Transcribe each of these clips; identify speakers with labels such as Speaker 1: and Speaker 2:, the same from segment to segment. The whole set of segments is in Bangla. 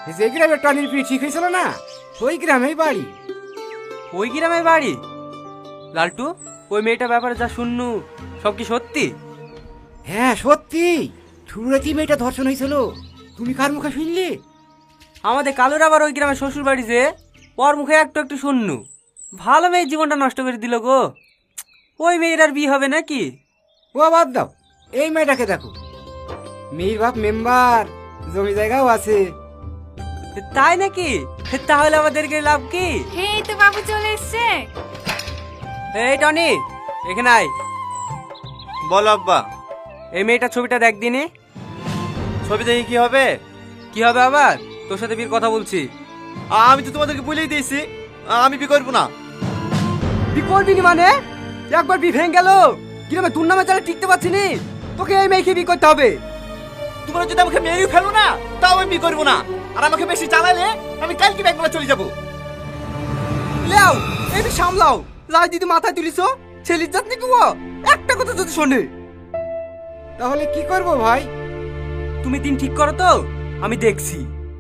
Speaker 1: যে গ্রামে টনির বিয়ে ঠিক হয়েছিল না, ওই গ্রামেই বাড়ি।
Speaker 2: ওই গ্রামের বাড়ি? লালটু, ওই মেয়েটার ব্যাপারে যা শুননু সব কি সত্যি?
Speaker 1: হ্যাঁ সত্যি, শুরুতেই মেয়েটা ধর্ষণ হয়েছিল। তুমি কার মুখে শুনলে?
Speaker 2: আমাদের কালুর আবার ওই গ্রামের শ্বশুর বাড়ি যে, ওর মুখে একটু একটু শুননু। ভালো মেয়ের জীবনটা নষ্ট করে দিল গো। ওই মেয়ের আর বিয়ে হবে নাকি?
Speaker 1: ও বাদ দাও, এই মেয়েটাকে দেখো, মেয়ের বাপ মেম্বার, জমি জায়গাও আছে।
Speaker 2: তাই নাকি? তাহলে আমাদেরকে লাভ কি?
Speaker 3: এই তো বাবু চলে এসছে।
Speaker 2: এই টনি, এখানে আয়।
Speaker 4: বলো আব্বা।
Speaker 2: এই মেয়েটার ছবিটা দেখ দিনি।
Speaker 4: ছবি দেখে কি হবে?
Speaker 2: কি হবে আবার? তোর সাথে বিয়ের কথা বলছি।
Speaker 4: আমি তো তোমাদেরকে বলেই দিয়েছি আমি বিয়ে করবো না।
Speaker 2: বি করবি নি মানে? একবার বি ভেঙে গেল, গ্রামে তোর নামে চালে টিকতে পারছি নি। তোকে এই মেয়েকে বি করতে হবে।
Speaker 4: তোমরা যদি আমাকে মেরেই ফেলো না, তাও আমি বিয়ে করবো না। আর আমাকে বেশি চালালে আমি কালকে ব্যাংকগুলো চলে যাবো।
Speaker 2: লেও, একটু সামলাও। লাই দিদি মাথায় তুলিস, ছেলির জাত নাকি ও? একটা কথা যদি শোনে।
Speaker 1: তাহলে কি করব ভাই?
Speaker 2: তুমি দিন ঠিক করো তো, আমি দেখছি।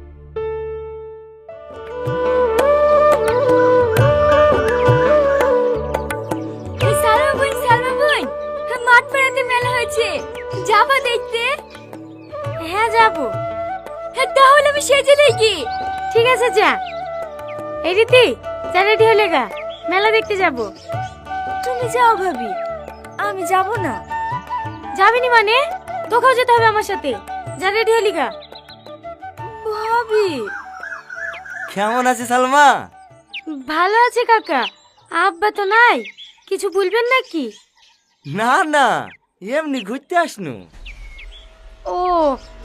Speaker 3: সালমা বোন, মাঠ পাড়াতে মেলা হয়েছে, যাবা দেখতে? হ্যাঁ যাবো। তাহলে আমি সেজে দেখি। ঠিক আছে যা। এই রীতি, যা রেডি হলে গা, মেলা দেখতে যাব। তুমি যাও ভাবি, আমি যাব না। যাবিনি মানে? তোকেও যেতে হবে আমার সাথে। যা রেডি হলি গা। ভাবি
Speaker 4: কেমন আছে সালমা?
Speaker 3: ভালো আছে কাকা। আব্বা তো নাই, কিছু বলবেন নাকি?
Speaker 4: না না, এমনি ঘুরতে আসনু।
Speaker 3: ও